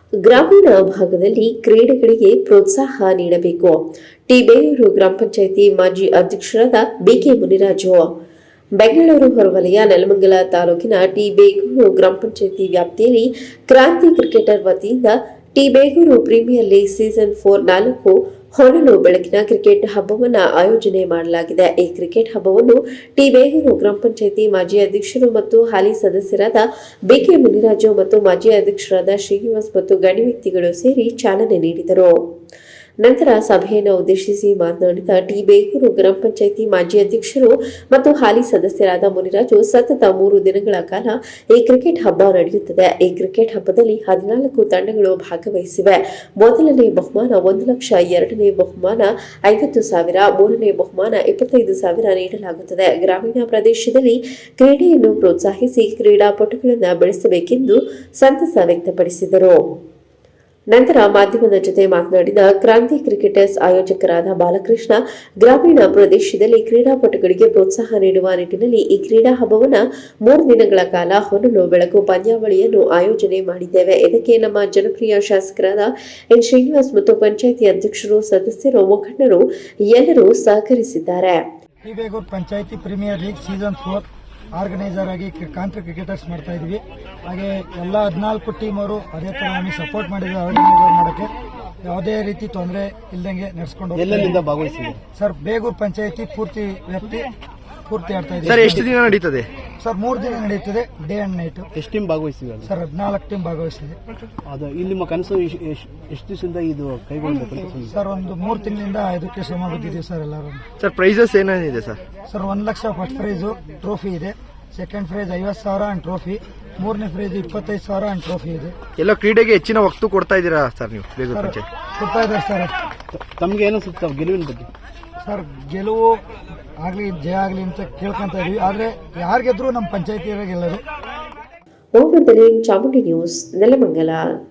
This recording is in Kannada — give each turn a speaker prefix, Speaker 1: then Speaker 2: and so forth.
Speaker 1: ಗ್ರಾಮೀಣ ಭಾಗದಲ್ಲಿ ಕ್ರೀಡೆಗಳಿಗೆ ಪ್ರೋತ್ಸಾಹ ನೀಡಬೇಕು. ಟಿ ಬೇಗೂರು ಗ್ರಾಮ ಪಂಚಾಯಿತಿ ಮಾಜಿ ಅಧ್ಯಕ್ಷರಾದ ಬಿಕೆ ಮುನಿರಾಜು. ಬೆಂಗಳೂರು ಹೊರವಲಯ ನೆಲಮಂಗಲ ತಾಲೂಕಿನ ಟಿ ಬೇಗೂರು ಗ್ರಾಮ ಪಂಚಾಯಿತಿ ವ್ಯಾಪ್ತಿಯಲ್ಲಿ ಕ್ರಾಂತಿ ಕ್ರಿಕೆಟರ್ ವತಿಯಿಂದ T Begur premier league season 4 ಹೊನಲು ಬೆಳಕಿನ ಕ್ರಿಕೆಟ್ ಹಬ್ಬವನ್ನು ಆಯೋಜನೆ ಮಾಡಲಾಗಿದೆ. ಈ ಕ್ರಿಕೆಟ್ ಹಬ್ಬವನ್ನು ಟಿ ಬೇಗೂರು ಗ್ರಾಮ ಪಂಚಾಯಿತಿ ಮಾಜಿ ಅಧ್ಯಕ್ಷರು ಮತ್ತು ಹಾಲಿ ಸದಸ್ಯರಾದ ಬಿಕೆ ಮುನಿರಾಜು ಮತ್ತು ಮಾಜಿ ಅಧ್ಯಕ್ಷರಾದ ಶ್ರೀನಿವಾಸ್ ಮತ್ತು ಗಣ್ಯ ವ್ಯಕ್ತಿಗಳು ಸೇರಿ ಚಾಲನೆ ನೀಡಿದರು. ನಂತರ ಸಭೆಯನ್ನು ಉದ್ದೇಶಿಸಿ ಮಾತನಾಡಿದ ಟಿ ಬೇಗೂರು ಗ್ರಾಮ ಪಂಚಾಯಿತಿ ಮಾಜಿ ಅಧ್ಯಕ್ಷರು ಮತ್ತು ಹಾಲಿ ಸದಸ್ಯರಾದ ಮುನಿರಾಜು, ಸತತ 3 ದಿನಗಳ ಕಾಲ ಈ ಕ್ರಿಕೆಟ್ ಹಬ್ಬ ನಡೆಯುತ್ತದೆ. ಈ ಕ್ರಿಕೆಟ್ ಹಬ್ಬದಲ್ಲಿ 14 ತಂಡಗಳು ಭಾಗವಹಿಸಿವೆ. ಮೊದಲನೇ ಬಹುಮಾನ 1 ಲಕ್ಷ, ಎರಡನೇ ಬಹುಮಾನ 50,000, ಮೂರನೇ ಬಹುಮಾನ 25,000 ನೀಡಲಾಗುತ್ತದೆ. ಗ್ರಾಮೀಣ ಪ್ರದೇಶದಲ್ಲಿ ಕ್ರೀಡೆಯನ್ನು ಪ್ರೋತ್ಸಾಹಿಸಿ ಕ್ರೀಡಾಪಟುಗಳನ್ನು ಬೆಳೆಸಬೇಕೆಂದು ಸಂತಸ ವ್ಯಕ್ತಪಡಿಸಿದರು. ನಂತರ ಮಾಧ್ಯಮದ ಜೊತೆ ಮಾತನಾಡಿದ ಕ್ರಾಂತಿ ಕ್ರಿಕೆಟರ್ಸ್ ಆಯೋಜಕರಾದ ಬಾಲಕೃಷ್ಣ, ಗ್ರಾಮೀಣ ಪ್ರದೇಶದಲ್ಲಿ ಕ್ರೀಡಾಪಟುಗಳಿಗೆ ಪ್ರೋತ್ಸಾಹ ನೀಡುವ ನಿಟ್ಟಿನಲ್ಲಿ ಈ ಕ್ರೀಡಾ ಹಬ್ಬವನ್ನು 3 ದಿನಗಳ ಕಾಲ ಹೊನಲು ಬೆಳಕು ಪಂದ್ಯಾವಳಿಯನ್ನು ಆಯೋಜನೆ ಮಾಡಿದ್ದೇವೆ. ಇದಕ್ಕೆ ನಮ್ಮ ಜನಪ್ರಿಯ ಶಾಸಕರಾದ ಎನ್ ಶ್ರೀನಿವಾಸ್ ಮತ್ತು ಪಂಚಾಯಿತಿ ಅಧ್ಯಕ್ಷರು, ಸದಸ್ಯರು, ಮುಖಂಡರು ಎಲ್ಲರೂ ಸಹಕರಿಸಿದ್ದಾರೆ.
Speaker 2: T Begur panchayat premier league season 4 organiser ಆಗಿ ಕ್ರಾಂತಿ ಕ್ರಿಕೆಟರ್ಸ್ ಮಾಡ್ತಾ ಇದ್ವಿ. ಹಾಗೆ ಎಲ್ಲ 14 ಟೀಮ್ ಅವರು ಅದೇ ತರ ನಮಗೆ ಸಪೋರ್ಟ್ ಮಾಡಿದ್ರು. ಆರ್ಗನೈಸರ್ ಮಾಡೋಕ್ಕೆ ಯಾವುದೇ ರೀತಿ ತೊಂದರೆ ಇಲ್ಲದಂಗೆ ನಡೆಸ್ಕೊಂಡು
Speaker 3: ಎಲ್ಲೆಲ್ಲಿಂದ ಭಾಗವಹಿಸಿದೆ
Speaker 2: ಸರ್. ಬೇಗೂರು ಪಂಚಾಯಿತಿ ಪೂರ್ತಿ ವ್ಯಾಪ್ತಿ ಪೂರ್ತಿ ಆಡ್ತಾ ಇದೆ
Speaker 3: ಸರ್. ಎಷ್ಟು ದಿನ ನಡೀತದೆ
Speaker 2: ಸರ್? 3 ದಿನ ನಡೀತದೆ, ಡೇ ಅಂಡ್ ನೈಟ್.
Speaker 3: ಎಷ್ಟು ಟೀಮ್ ಭಾಗವಹಿಸಿದೆ
Speaker 2: ಸರ್? 14 ಟೀಮ್ ಭಾಗವಹಿಸಿದೆ.
Speaker 3: ಅದು ಇಲ್ಲಿ ನಿಮ್ಮ ಕನಸು ಎಷ್ಟು ದಿವಸದಿಂದ ಇದು ಕೈಗೊಳ್ಳಬೇಕು
Speaker 2: ಸರ್? ಒಂದು 3 ತಿಂಗಳಿಂದ ಇದಕ್ಕೆ ಶ್ರಮ ಬಿದ್ದಿದ್ದೀವಿ ಸರ್ ಎಲ್ಲರೂ.
Speaker 3: ಸರ್ ಪ್ರೈಸಸ್ ಏನೇನಿದೆ sir?
Speaker 2: Sir 1 lakh first prize, trophy ಇದೆ. Second prize 50,000 and trophy. ಮೂರನೇ ಪ್ರೈಸ್ 25,000 ಅಂಡ್ ಟ್ರೋಫಿ ಇದೆ.
Speaker 3: ಎಲ್ಲ ಕ್ರೀಡೆಗೆ ಹೆಚ್ಚಿನ ಒತ್ತು ಕೊಡ್ತಾ ಇದ್ದೀರಾ ಸರ್ ನೀವು ಬೇಗೂರು ಪಂಚಾಯತ್?
Speaker 2: ಕೊಡ್ತಾ ಇದ್ದಾರೆ ಸರ್.
Speaker 3: ತಮ್ಗೆ ಏನು ಸುತ್ತ ಗೆಲುವಿನ ಬಗ್ಗೆ?
Speaker 2: ಸರ್ ಗೆಲುವು ಆಗ್ಲಿ ಜಯ ಆಗ್ಲಿ ಅಂತ ಕೇಳ್ಕೊಂತ ಇದೀವಿ. ಆದ್ರೆ ಯಾರು ಗೆದ್ರು ನಮ್ಮ ಪಂಚಾಯತಿ ಗೆಲ್ಲೋದು.
Speaker 1: ಚಾಮುಂಡಿ ನ್ಯೂಸ್, ನೆಲಮಂಗಲ.